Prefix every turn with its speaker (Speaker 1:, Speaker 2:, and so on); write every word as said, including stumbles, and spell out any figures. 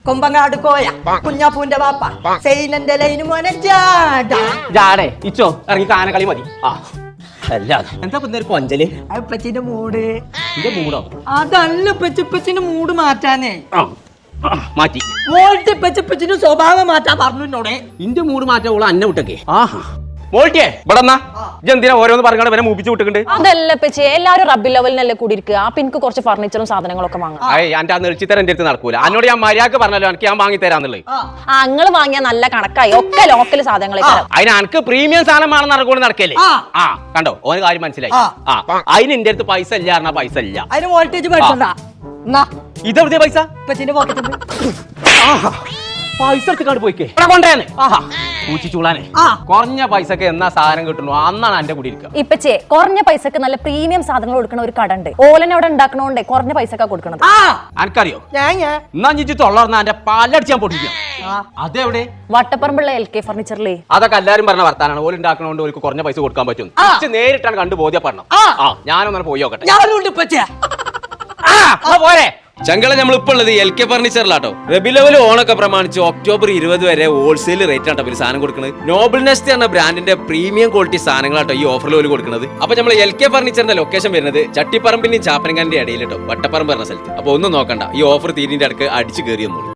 Speaker 1: കൊമ്പങ്ങാട് കോയ കുഞ്ഞാപ്പൂന്റെ വാപ്പ സെയിനന്റെ ലൈന് മോനെ ജാട
Speaker 2: ജാടേ ഇച്ചോ ഇറങ്ങി കാനകളി മതി. ആ അല്ല എന്താ ഇന്നൊരു കൊഞ്ചല്
Speaker 1: അപ്പച്ചിന്റെ മൂട്
Speaker 2: എന്റെ മൂടോ
Speaker 1: അതല്ല പെച്ചിപ്പച്ചിന്റെ മൂട് മാറ്റാനേ
Speaker 2: ആ മാറ്റി
Speaker 1: മോൾട്ട് പെച്ചിപ്പച്ചിന്റെ സ്വഭാവം മാറ്റാൻ പറഞ്ഞു എന്നോടെ.
Speaker 2: ഇന്റെ മൂട് മാറ്റാൻ ഓള് അന്നെ വിട്ടൊക്കെ. ആഹാ മോൾട്ടിയേ ഇവിടെ എന്തിനാ ഓരോന്ന് പറഞ്ഞാൽ വരെ മൂപ്പിച്ച് വിട്ടിട്ടുണ്ട്.
Speaker 3: അതല്ല പച്ചേ എല്ലാരും റബ്ബി ലെവലിനല്ലേ കൂടി ഇരിക്കുക. അപ്പൊ എനിക്ക് കുറച്ച് ഫർണിച്ചറും സാധനങ്ങളൊക്കെ വാങ്ങാം.
Speaker 2: എന്റെ ആ നെളിച്ചിത്തരം എന്റെ അടുത്ത് നടക്കൂല. എന്നോട് ഞാൻ മര്യാദക്ക് പറഞ്ഞല്ലോ എനിക്ക് ഞാൻ വാങ്ങി തരാന്നുള്ളത്.
Speaker 3: ആ നിങ്ങൾ വാങ്ങിയ നല്ല കണക്കായി ഒക്കെ ലോക്കൽ സാധനങ്ങളെ.
Speaker 2: അതിന് എനിക്ക് പ്രീമിയം സാധനമാണെന്ന് നടക്കൂടെ നടക്കല്ലേ. ആ കണ്ടോ ഓന് കാര്യം മനസ്സിലായി. ആ അതിന് എന്റെ അടുത്ത് പൈസ ഇല്ല പറഞ്ഞാ പൈസ ഇല്ല.
Speaker 1: അതിന് വോൾട്ടേജ് പഠിച്ചണ്ട
Speaker 2: ഇതെവിടെയാ പൈസ?
Speaker 1: ഇപ്പച്ചിന്റെ പോക്കറ്റ്
Speaker 2: പൈസ എടുത്തിട്ട് പോയിക്കേ കൊണ്ടേന്ന്. ആഹാ പൂച്ചിച്ചൂളാനെ കുറഞ്ഞ പൈസക്ക് എന്നാ സാധനം കിട്ടുന്നു അന്നാണ് എന്റെ കൂടി ഇരിക്കുക.
Speaker 3: ഇപ്പച്ചേ കുറഞ്ഞ പൈസക്ക് നല്ല പ്രീമിയം സാധനങ്ങൾ കൊടുക്കുന്ന ഒരു കട ഉണ്ട്. ഓലനെ അവിടെ ഉണ്ടാക്കണോണ്ടേ കുറഞ്ഞ പൈസക്കാ കൊടുക്കണത്.
Speaker 2: എനിക്കറിയോ എന്നാ ചിച്ചു തൊള്ളർന്ന എന്റെ പാലടിച്ച് ഞാൻ പൊട്ടിക്കാം. അതെവിടെ?
Speaker 3: വട്ടപ്പറമ്പുള്ള എൽ കെ ഫർണിച്ചറിലേ.
Speaker 2: അതൊക്കെ എല്ലാരും പറഞ്ഞ വർത്താനാണ്. ഓല് ഉണ്ടാക്കണോണ്ട് ഓർക്ക് കുറഞ്ഞ പൈസ കൊടുക്കാൻ പറ്റും. നേരിട്ടാണ് കണ്ടു ബോധ്യപ്പെടണം. ആ ഞാനൊന്നും പോയി നോക്കട്ടെ. പോരെ ചങ്കള നമ്മൾ ഇപ്പോൾ ഉള്ളത് എൽ കെ ഫർണിച്ചറിലാട്ടോ. റബി ലെവൽ ഓണൊക്കെ പ്രമാണിച്ച് ഒക്ടോബർ ഇരുപത് വരെ ഹോൾസെയിൽ റേറ്റ് ആട്ടോ ഇവര് സാധനം കൊടുക്കുന്നത്. നോബിൾ നെസ്റ്റ് എന്ന ബ്രാൻഡിന്റെ പ്രീമിയം ക്വാളിറ്റി സാധനങ്ങളാട്ടോ ഈ ഓഫറിൽ ഓല് കൊടുക്കുന്നത്. അപ്പൊ നമ്മൾ എൽ കെ ഫർണിച്ചറിന്റെ ലൊക്കേഷൻ വരുന്നത് ചട്ടിപ്പറമ്പിന്റെയും ചാപ്പനങ്ങാന്റെ ഇടയിൽ കേട്ടോ, വട്ടപ്പറമ്പ് പറഞ്ഞ സ്ഥലത്ത്. അപ്പൊ ഒന്നും നോക്കണ്ട, ഈ ഓഫർ തീരിന്റെ അടുക്ക് അടിച്ചു കയറി വന്നോളൂ.